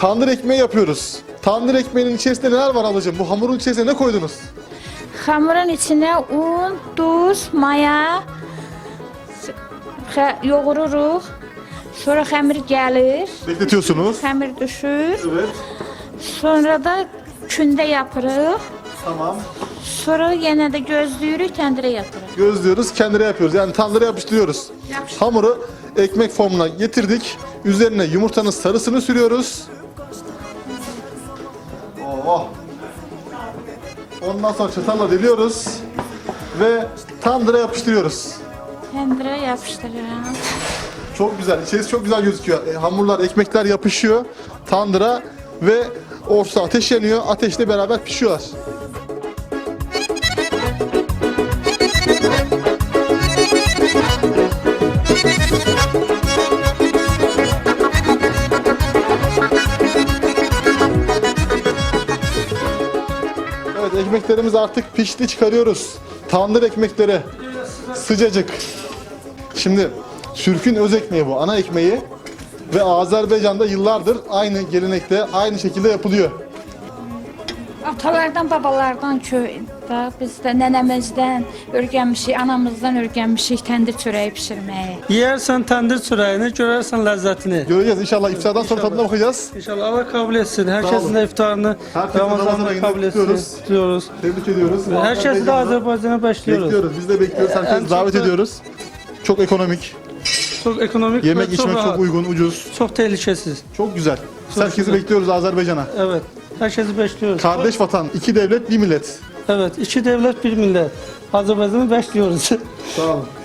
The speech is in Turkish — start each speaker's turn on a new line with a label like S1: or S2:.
S1: tandır ekmeği yapıyoruz. Tandır ekmeğinin içerisinde neler var ablacığım? Bu hamurun içerisine ne koydunuz?
S2: Hamurun içine un, tuz, maya yoğururuz. Sonra hamur gelir.
S1: Bekletiyorsunuz.
S2: Hamur düşür.
S1: Evet.
S2: Sonra da künde yapırıq.
S1: Tamam.
S2: Sonra yine de gözlüyürük, tendire yatırıq.
S1: Gözlüyoruz, kendine yapıyoruz. Yani tandıra yapıştırıyoruz. Hamuru ekmek formuna getirdik. Üzerine yumurtanın sarısını sürüyoruz. Oh. Ondan sonra çatalla deliyoruz ve tandıra yapıştırıyoruz.
S2: Tendire yapıştırırıq.
S1: Çok güzel. İçerisi çok güzel gözüküyor. Hamurlar, ekmekler yapışıyor tandıra ve orta ateş yanıyor. Ateşle beraber pişiyorlar. Evet, ekmeklerimiz artık pişti, çıkarıyoruz. Tandır ekmekleri sıcacık. Şimdi Türk'ün öz ekmeği bu, ana ekmeği ve Azerbaycan'da yıllardır aynı gelenekte, aynı şekilde yapılıyor.
S2: Atalardan, babalardan köydə, biz də nənəmizdən öyrənmişik, anamızdan öyrənmişik təndir çörəyi bişirməyi.
S3: Yersen tandır çöreğini, görersen lezzetini.
S1: Göreceğiz inşallah, iftardan sonra tadına bakacağız.
S3: İnşallah Allah kabul etsin.
S1: Sağ
S3: Herkesin
S1: olun.
S3: de iftarını
S1: Herkesin Ramazan
S3: Ramazan'da
S1: ayında
S3: kabul etsin.
S1: kutluyoruz.
S3: Tutuyoruz.
S1: Tebrik ediyoruz.
S3: Herkesi de Azerbaycan'a başlıyoruz.
S1: Bekliyoruz, biz de bekliyoruz,
S3: En
S1: herkesi davet
S3: çok da-
S1: ediyoruz. Çok ekonomik,
S3: Çok ekonomik
S1: yemek
S3: ve çok
S1: içmek
S3: rahat.
S1: çok uygun, ucuz,
S3: Çok tehlikesiz.
S1: çok güzel. Biz
S3: Çok
S1: herkesi
S3: güzel.
S1: bekliyoruz Azerbaycan'a.
S3: Evet. Herkesi bekliyoruz.
S1: Kardeş vatan, iki devlet, bir millet.
S3: Evet. İki devlet bir millet. Azerbaycan'ı bekliyoruz.
S1: Sağ olun.